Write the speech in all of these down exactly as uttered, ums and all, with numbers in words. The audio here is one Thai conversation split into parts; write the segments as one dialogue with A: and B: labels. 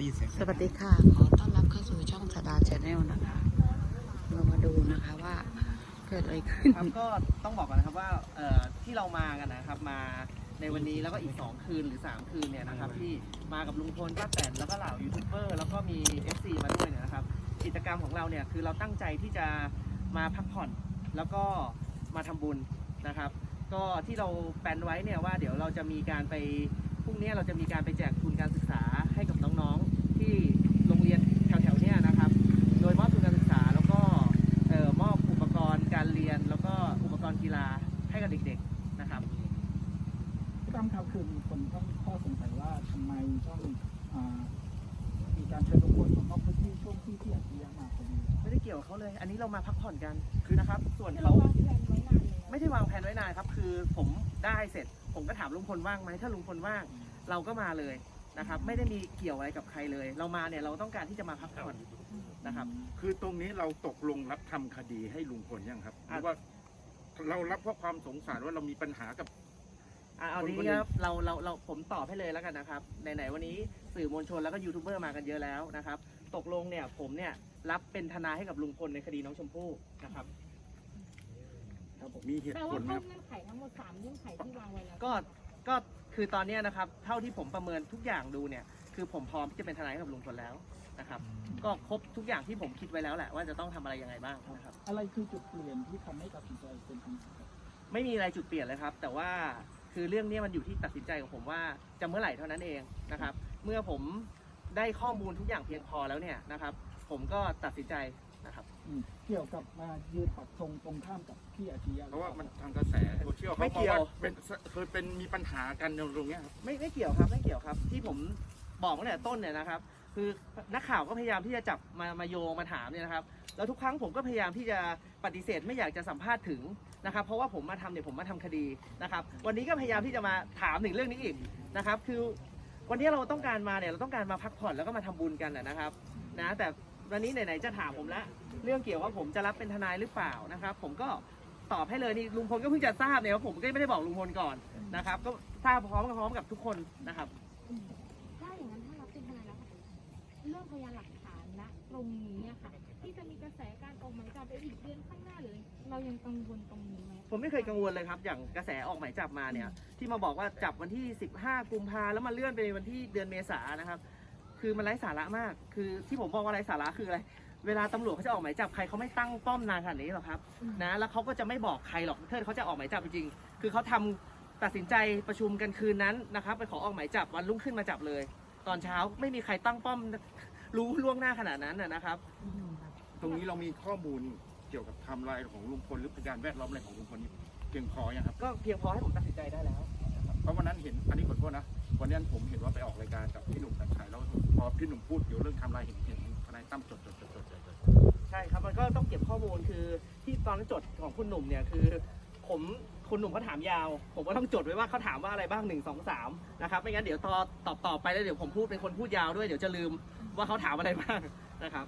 A: ได้ยินเสียง
B: สวัสดีค่ะ ขอต้อนรับเข้าสู่ช่องสดาแชนแนลนะคะ เรามาดูนะคะว่าเกิดอะไรขึ้น
C: ครับก็ต้องบอกก่อนนะครับว่าเอ่อที่เรามากันนะครับมาในวันนี้แล้วก็อีกสองคืนหรือสามคืนเนี่ยนะครับที่มากับลุงพลป้าแตนแล้วก็เหล่ายูทูบเบอร์แล้วก็มี เอฟ ซี มาด้วยเนี่ยนะครับกิจกรรมของเราเนี่ยคือเราตั้งใจที่จะมาพักผ่อนแล้วก็มาทำบุญนะครับก็ที่เราแปลนไว้เนี่ยว่าเดี๋ยวเราจะมีการไปพรุ่งนี้เราจะมีการไปแจกทุนการศึกษาให้กับน้องๆที่โรงเรียนแถวๆเนี่ยนะครับโดยมอบทุนการศึกษาแล้วก็เอ่อมอบอุปกรณ์การเรียนแล้วก็อุปกรณ์กีฬาให้กับเด็กๆนะครับ
A: พี่ตั้มครับคือมีคนต้องข้อสงสัยว่าทำไมต้องอ่ามีการเชิญลุงพลของนอกพื้นที่ช่วงที่ที่อัจฉริยะมาพอดี
C: ไม่ได้เกี่ยวกับเขาเลย อันนี้เรามาพักผ่อนกันคือนะครับ ส่วนเขาไม่ได้วางแผนไว้นานครับ คือผมได้เสร็จ ผมก็ถามลุงพลว่างไหมถ้าลุงพลว่าง เราก็มาเลยนะครับ ไม่ได้มีเกี่ยวอะไรกับใครเลย เรามาเนี่ยเราต้องการที่จะมาพักผ่อนนะครับ
D: คือตรงนี้เราตกลงรับทำคดีให้ลุงพลยังครับหรือว่าเรารับเพราะความสงสารว่าเรามีปัญหากับ
C: อ่ะเอาทีนี้ครับเราเราเราผมตอบให้เลยแล้วกันนะครับไหนๆวันนี้สื่อมวลชนแล้วก็ยูทูบเบอร์มากันเยอะแล้วนะครับตกลงเนี่ยผมเนี่ยรับเป็นทนายให้กับลุงพลในคดีน้องชมพู่นะครับ
D: ครับผมมีเหตุ
E: แปล
D: ผ
E: ว่า
D: ลไหม
E: คร
D: ครับ
E: บเงื่อนไขทั้งหมดสามเงื่อนไขที่วางไว้แล้ว
C: ก็ก็คือตอนเนี้ยนะครับเท่าที่ผมประเมินทุกอย่างดูเนี่ยคือผมพร้อมที่จะเป็นทนายให้กับลุงพลแล้วนะครับก็ครบทุกอย่างที่ผมคิดไว้แล้วแหละว่าจะต้องทำอะไรยังไงบ้างนะครับ
A: อะไรคือจุดเปลี่ยนที่ทำให้ตัดสินใจเป็นทางนี้ครับ
C: ไม่มีอะไรจุดเปลี่ยนเลยครับ แต่ว่าคือเรื่องนี้มันอยู่ที่ตัดสินใจของผมว่าจะเมื่อไหร่เท่านั้นเองนะครับ เมื่อผมได้ข้อมูลทุกอย่างเพียงพอแล้วเนี่ยนะครับ ผมก็ตัดสินใจนะครับ
A: อืมเกี่ยวกับมายืนปักธงตรงข้ามกับพี่อัจฉริยะ
D: เพราะว่ามันทางกระแสโซเชียล
C: ไม่
D: เขา
C: เกี่
D: บอก
C: ยว
D: ว่าเป็นเคยเป็นมีปัญหากันตรงเนี้ยครับ
C: ไม่ไม่เกี่ยวครับไม่เกี่ยวครับที่ผมบอกตั้งแต่ต้นเนี่ยนะครับ คือนักข่าวก็พยายามที่จะจับมามาโยงมาถามเนี่ยนะครับแล้วทุกครั้งผมก็พยายามที่จะปฏิเสธไม่อยากจะสัมภาษณ์ถึงนะครับเพราะว่าผมมาทำเนี่ยผมมาทำคดีนะครับวันนี้ก็พยายามที่จะมาถามถึงเรื่องนี้อีกนะครับคือวันนี้เราต้องการมาเนี่ยเราต้องการมาพักผ่อนแล้วก็มาทำบุญกันนะครับนะแต่วันนี้ไหนๆจะถามผมละเรื่องเกี่ยวว่าผมจะรับเป็นทนายหรือเปล่านะครับผมก็ตอบให้เลยนี่ลุงพลก็เพิ่งจะทราบเนี่ยว่าผมก็ไม่ได้บอกลุงพลก่อนนะครับก็ทราบพร้อมกับพร้อมกับทุกคนนะครับ
E: ถ้าอย่างนั้นถ้ารับเป็นทนายแล้วเรื่องพยานหลักฐานณตรงนี้อะค่ะ ที่จะมีกระแสการออกหมายจับไปอีกเดือนข้างหน้าหรือเรายังกังวลตรงนี้ไหม
C: ผมไม่เคยกังวลเลยครับอย่างกระแสออกหมายจับมาเนี่ยที่มาบอกว่าจับวันที่สิบห้ากุมภาแล้วมาเลื่อนไปวันที่เดือนเมษายนนะครับคือมันไร้สาระมาก คือที่ผมบอกว่าไร้สาระคืออะไรเวลาตำรวจเขาจะออกหมายจับใครเขาไม่ตั้งป้อมนานขนาดนี้หรอกครับนะแล้วเขาก็จะไม่บอกใครหรอกถ้าเขาจะออกหมายจับจริงๆคือเขาทำตัดสินใจประชุมกันคืนนั้นนะครับไปขอออกหมายจับวันรุ่งขึ้นมาจับเลย ตอนเช้าไม่มีใครตั้งป้อมรู้ล่วงหน้าขนาดนั้นนะครับ
D: ตรงนี้เรามีข้อมูลเกี่ยวกับไทม์ไลน์ของลุงพลหรือพยานแวดล้อมอะไรของลุงพลนี่เพียงพอยังครับ
C: ก็เพียงพอให้ผมตัดสินใจได้แล้ว
D: เพราะวันนั้นเห็นอันนี้ขอโทษนะวันนั้นผมเห็นว่าไปออกรายการกับพี่หนุ่มกัญชัยแล้วพอพี่หนุ่มพูดเกี่ยวเรื่องไทม์ไลน์เห็นเห็นทนายตั้มจดจดจดจดจดจด
C: ใช่ครับมันก็ต้องเก็บข้อมูลคือที่ตอนนั้นจดของคุณหนุ่มเนี่ยคือผมคุณหนุ่มเขาถามยาว ผมก็ต้องจดไว้ว่าเขาถามว่าอะไรบ้างหนึ่งสองสามนะครับไม่งั้นเดี๋ยวตอตอบตอบไปแล้วเดี๋ยวผมพูดเป็นคนพูดยาวด้วยเดี๋ยวจะลืมว่าเขาถามอะไรบ้างนะครับ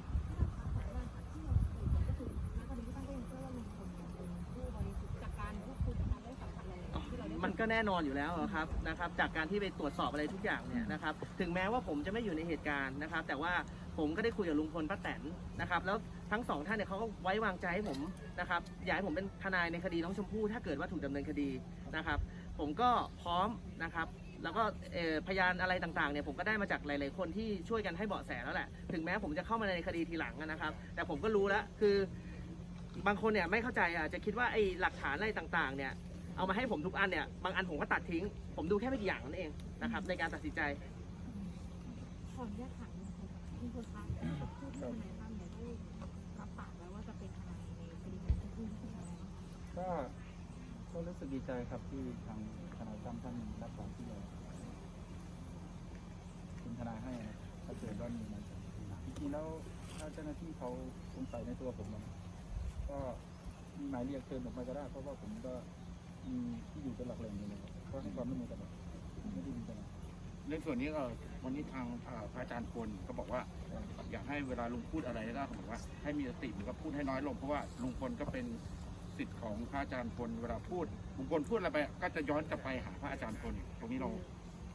C: มันก็แน่นอนอยู่แล้วครับนะครับจากการที่ไปตรวจสอบอะไรทุกอย่างเนี่ยนะครับถึงแม้ว่าผมจะไม่อยู่ในเหตุการณ์นะครับแต่ว่าผมก็ได้คุยกับลุงพลป้าแตนนะครับแล้วทั้งสองท่านเนี่ยเขาก็ไว้วางใจให้ผมนะครับอยากให้ผมเป็นทนายในคดีน้องชมพู่ถ้าเกิดว่าถูกดำเนินคดีนะครับผมก็พร้อมนะครับแล้วก็พยานอะไรต่างๆเนี่ยผมก็ได้มาจากหลายๆคนที่ช่วยกันให้เบาะแสแล้วแหละถึงแม้ผมจะเข้ามาในคดีทีหลังนะครับแต่ผมก็รู้แล้วคือบางคนเนี่ยไม่เข้าใจอ่ะจะคิดว่าไอ้หลักฐานอะไรต่างๆเนี่ยเอามาให้ผมทุกอันเนี่ยบางอันผมก็ตัดทิ้งผมดูแค่ไม่กี่อย่างนั่นเองนะครับในการตัดสินใจ
E: ขออนุญาตถามคุณพลคะที่จะพูดเรื่องทนายตั้มเนี่ยได้รับปากไว้ว่าจะเป็นทนายในคดีของคุณที่ทนาย
A: ก็ก็รู้สึกดีใจครับที่ทางทนายตั้มท่านรับปากที่เราเป็นทนายให้นะถ้าเกิดว่ามีนะจริงๆแล้วถ้าเจ้าหน้าที่เขาสงสัยในตัวผมนะก็มีหมายเรียกเชิญผมไปก็ได้เพราะว่าผมก็มีที่อยู่เป็นหลักแหล่งอยู่นะครับก็ให้ความร่วมมือกันแบบไม่ได้มีปัญหา
D: ในส่วนนี้ก็วันนี้ทางพระอาจารย์พลก็บอกว่าอยากให้เวลาลุงพูดอะไรก็เขาบอกว่าให้มีสติหรือว่าพูดให้น้อยลงเพราะว่าลุงพลก็เป็นสิทธิ์ของพระอาจารย์พลเวลาพูดลุงพลพูดอะไรไปก็จะย้อนกลับไปหาพระอาจารย์พลตรงนี้เรา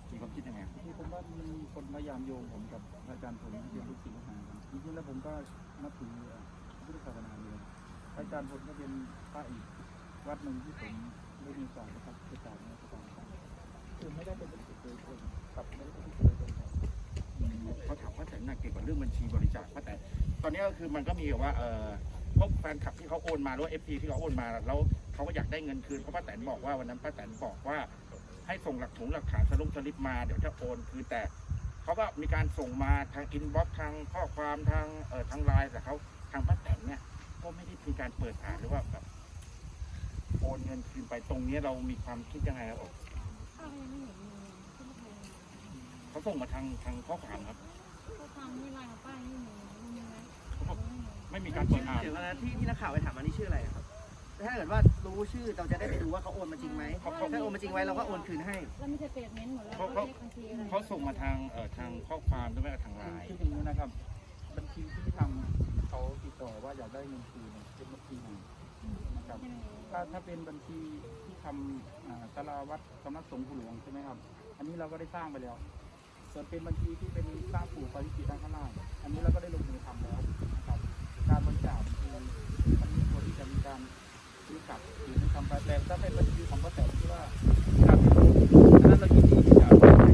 D: มีความคิดยังไง
A: ที่ผมว่ามันมีคนพยายามโยงผมกับอาจารย์ผมที่เป็นลูกศิษย์ลูกหากันจริงๆแล้วผมก็นับถือพุทธศาสนาอยู่อาจารย์ผมก็เป็นพระอีกวัดหนึ่งที่ผมได้มีโอกาสนะครับไปกราบนมัสการท่านคือไม่ได้เป็นลูกศิษย์โดยตรงกับไม่ได้เป็นลูกศิษย์โดยตรงครับ
D: เขาถามว่าแต่หนักเกี่ยวกับเรื่องบัญชีบริจาคว่าแต่ตอนนี้ก็คือมันก็มีว่าเออพวกแฟนคลับที่เขาโอนมาหรือว่าเอฟซีที่เขาโอนมาแล้วเขาก็อยากได้เงินคืนเพราะป้าแตนบอกว่าวันนั้นป้าแตนบอกว่าให้ส่งหลักฐานหลักฐานสลุปสลิปมาเดี๋ยวจะโอนคืนแต่เขาก็มีการส่งมาทางอินบ็อกซ์ทางข้อความทางเอ่อทางไลน์แต่เขาทางป้าแตนเนี่ยก็ไม่ได้มีการเปิดอ่านหรือว่าแบบโอนเงินคืนไปตรงนี้เรามีความคิดยังไงครับผม
E: ป้าก็ยังไม่เห็นเลยที่ไม่เคย
D: เขาส่งมาทางทางข้อความครับ
E: ก็ทำไม่ไลน์ของป้าไม่มีมีไหม
D: เขาไม่มีการเปิดอ่าน
C: เดี๋ยวนะที่ที่นักข่าวไปถามอันนี้ชื่ออะไรครับถ้าเกิดว่ารู้ชื่อเราจะได้ไปดูว่าเขาโอนมาจริงไหมถ้าโอนมาจริงไว้เราก็โอนคืนให้
E: แล้วมีสเตทเมนต์หมดแล้ว
D: เขา
E: ก็
D: เขา
E: เลขบัญชีอะไร
D: เขาส่งมาทางเอ่อทางข้อความหรือไม่ก็ทางไลน์
A: คืออย่างนี้นะครับ บัญชีที่ทำเขาติดต่อว่าอยากได้เงินคืนเนี่ยเป็นบัญชีไหนนะครับ ถ้าถ้าเป็นบัญชีที่ทำอ่าสาราวัดสำนักสงฆ์ผู้หลวงใช่ไหมครับ อันนี้เราก็ได้สร้างไปแล้ว ส่วนเป็นบัญชีที่เป็นสร้างปู่ปาริจิตด้านข้างล่างอันนี้เราก็ได้ลงมือทำแล้วนะครับ การบริจาคคือมันมีคนที่จะมีการซื้อกลับหรือไม่ทำไปแต่ถ้าเป็นบัญชีของพระแต่ที่ว่าการเป็นอันนั้นเรายินดีที่จะเอาไปให้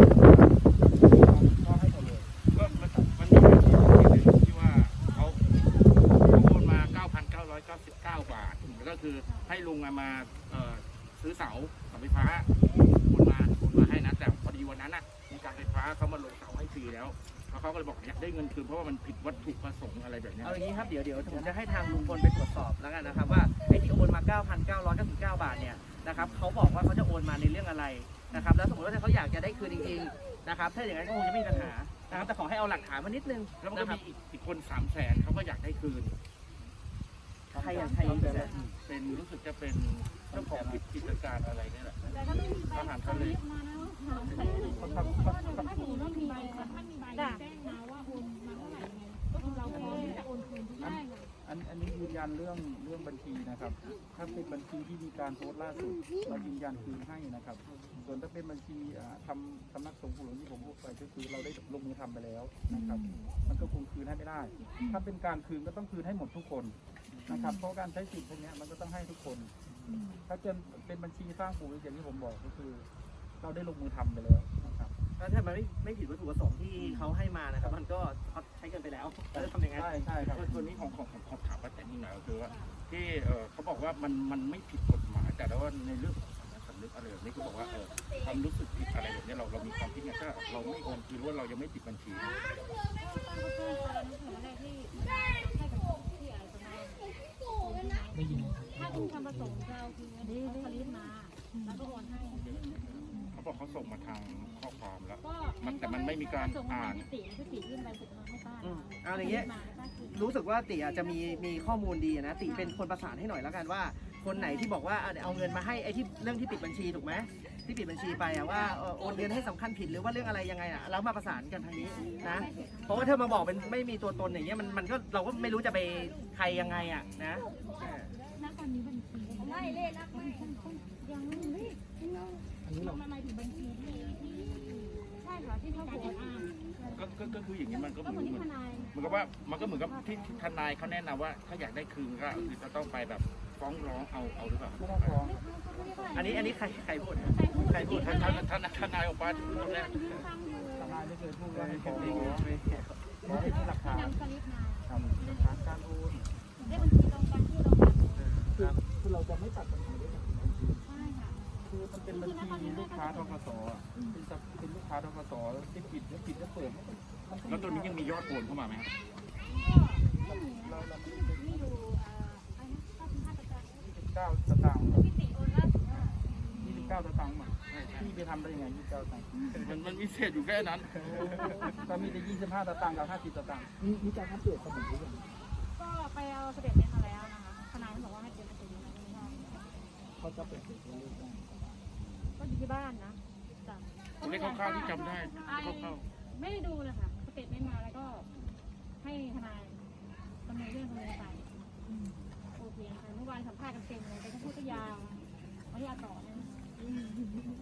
A: ก็ให้หมดเลย
D: ก็มันมันมีบัญชีหนึ่งที่ว่าเขาเขาโอนมา เก้าพันเก้าร้อยเก้าสิบเก้า บาทแล้วก็คือให้ลุงเอามาเอ่อซื้อเสาเสาไฟฟ้าโอนมาโอนมาให้นะแต่พอดีวันนั้นน่ะมีการไฟฟ้าเขามาลงเสาให้ฟรีแล้วแล้วเขาก็เลยบอกอยากได้เงินคืนเพราะว่ามันผิดวัตถุประสงค์อะไรแบบเนี้ย
C: เอาอย่างนี้ครับเดี๋ยวเดี๋ยวผมจะให้ทางลุงพลไปตรวจสอบแล้วกันนะครับว่าไอ้ที่โอนมา เก้าพันเก้าร้อยเก้าสิบเก้า บาทเนี่ยนะครับเขาบอกว่าเขาจะโอนมาในเรื่องอะไรนะครับแล้วสมมติว่าถ้าเขาอยากจะได้คืนจริงๆนะครับถ้าอย่างนั้นก็คงจะไม่มีปัญหานะครับแต่ขอให้เอาหลักฐานมานิดนึง
D: แล้วมันก็
C: นะครับ
D: มีอีกอีกคนสามแสนเขาก็อยากได้คืน
C: ใครอย่างใครอย่าง
D: เป็นรู้สึกจะเป็นเจ้าของกิจการอะไรเนี่ยแหละ
E: แต่ก็ไม่มีใบ
D: อาหารทะเล
E: มานะว่าหาแสน
A: เขาทำเขา
E: ถ้า
A: ทำ
E: สมมติว่ามีใบถ้ามีใบแจ้งมาว่าโอนมาเท่าไหร่ไงก็คือเราพร้อมที่จะโอนคืนทุกได้ค่ะ
A: อันอันนี้ยืนยันเรื่องเรื่องบัญชีนะครับ ถ้าเป็นบัญชีที่มีการโพสต์ล่าสุดเรายืนยันคืนให้นะครับ ส่วนถ้าเป็นบัญชีอ่าทำสำนักสงฆ์ผู้หลวงที่ผมพูดไปก็คือเราได้ลงมือทำไปแล้วนะครับ มันก็คงคืนให้ไม่ได้ ถ้าเป็นการคืนก็ต้องคืนให้หมดทุกคนนะครับ เพราะการใช้สิทธิ์พวกเนี้ยมันก็ต้องให้ทุกคน ถ้าเป็นเป็นบัญชีสร้างปู่อย่างที่ผมบอกก็คือ เราได้ลงมือทำไปแล้วนะครับ
C: แล้วถ้ามันไม่ไม่ผิดวัตถุประสงค์ที่เขาให้มานะครับมันก็เขาใช้เกินไปแล้วเขาจะทำยังไง
A: ใช่ใช่ครับ
D: ตัวนี้ของของของของถามว่าแต่นี่หน่อยก็คือว่าที่เออเขาบอกว่ามันมันไม่ผิดกฎหมายแต่ว่าในเรื่องของสำนึกอะไรแบบนี้เขาบอกว่าเออความรู้สึกผิดอะไรแบบนี้เราเรามีความคิดไงถ้าเราไม่โอนคือว่าเรายังไม่ปิดบัญชี
E: ก็ต้องแจ้งตอนนั้นถึงแรกที่ให้กับที่อะไรประมาณได้ยินถ้าคุณทำประสงค์จะเอาคืออันนี้สลิปมาแล้วก็โอนให้
D: เขาบอกเขาส่งมาทางข้อความแล้ว
E: ก็
D: มันแต่มันไม่มีการ
E: ส่งมา
D: อ่าน
E: ที่ติที่ติยื่นใบเสร็จมาให้ป้า
C: อืมเอาอย่างเงี้ย รู้สึกว่าติอาจจะมีมีข้อมูลดีนะติเป็นคนประสานให้หน่อยแล้วกันว่า คนไหนที่บอกว่าอ่ะเอาเงินมาให้ไอ้ที่เรื่องที่ปิดบัญชีถูกไหมที่ปิดบัญชีไปอะว่าเอ่อโอนเงินให้สำคัญผิดหรือว่าเรื่องอะไรยังไงอะแล้วมาประสานกันทางนี้นะเพราะว่าเธอมาบอกเป็นไม่มีตัวตนอย่างเงี้ยมันมันก็เราก็ไม่รู้จะไปใครยังไงอะนะเออ
E: ณตอนนี้บัญชีไม่เลขนักไม่ยังไม่
A: อันนี้เรา
E: มันหมายถึงบัญชีที่ใช่ค่ะที่เขาโอนอ่าน
D: ก็ก็ก็คืออย่างนี้มันก็เห
E: ก็
D: มื
E: เห
D: อ
E: มือน น
D: เหมือน
E: ที่ทนาย
D: เหมือนกับว่ามันก็เหมือนกับที่ที่ทนายเขาแนะนำว่าถ้าอยากได้คืนก็คือจะต้องไปแบบฟ้องร้องเอาเอาหรือเปล่า
A: ไม่ต้องฟ้อง
C: อันนี้อันนี้ใครใครพูด
E: ใครพูด
C: ใครพูด
D: ท่านท่านท่านทนายออกมาตรงนี้
E: ฟังอยู่
A: ทนายไม่เคยพูดว่าให้ฟ้องร้องขอให้มีหลักฐาน
E: นำสลิปมา
A: ทำหลักฐานการโอน
E: ได้บัญชีตรงกันที่ตรงกัน
A: คือคือเราจะไม่ตัดปัญหาด้วยบัญชี
E: ใช่ค่ะ
A: คือมันเป็นบัญชีลูกค้าทกสอ่ะเป็นสับเป็นลูกค้าทกสที่ปิดแล้วปิดแล้วเปิดมันก็มันก็
D: แล้วตัวนี้ยังมียอดโอนเข้ามาไหมครับ
E: ก็ไม่มี
A: เราเรามี
E: มีอยู่อ่าอันนี้ก็เป็นห้าประจัน
A: ยี่สิบเก้าสตางค์
E: พี่ติโอนล่าสุดว่า
A: ยี่สิบเก้าสตางค์มาพี่ไปทำได้ยังไงยี่สิบเก้าสตางค์
D: มันมันมีเศษอยู่แค่นั้น
A: ก็มีแต่ยี่สิบห้าสตางค์กับห้าสิบสตางค์มีมีการอัปเดตสมุดหรือยัง
E: ก็ไปเอาเสด็จเมนมาแล้วนะคะทนายบอกว่าให้เป็นเสด็จเมนไม่ได้
A: เขาจะเปิดเผยตัวเลขได้
E: ก็อยู่ที่บ้านนะจ้ะ
D: ตัวเลขคร่าวๆที่จำได้คร่าว
E: ไม่ได้ดูเลยค่ะสเตทเมนต์มาแล้วก็ให้ทนายดำเนินเรื่องดำเนินไปโอเคค่ะเมื่อวานสัมภาษณ์กันเต็มเลยแต่ก็พูดก็ยาวไม่อยากต่อนะ
C: เอา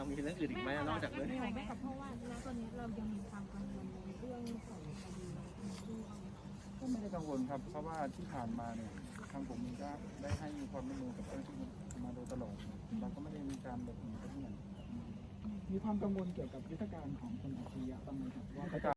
C: ครับมีเรื่องอื่นอีกไหมนอกจากเรื่อง
E: ไม่ไม่กับเพราะว่าณตอนนี้เรายังมีความกังวลในเรื่องของคดีที่เอา
A: ก็ไม่ได้กังวลครับ เพราะว่าที่ผ่านมาเนี่ยทางผมเองก็ได้ให้ความร่วมมือกับเจ้าหน้าที่มาโดยตลอดเราก็ไม่ได้มีการหลบหนีไปที่ไหน
F: มีความกังวลเกี่ยวกับยุทธการของคนอัจฉริยะบ้างไหมครับว่า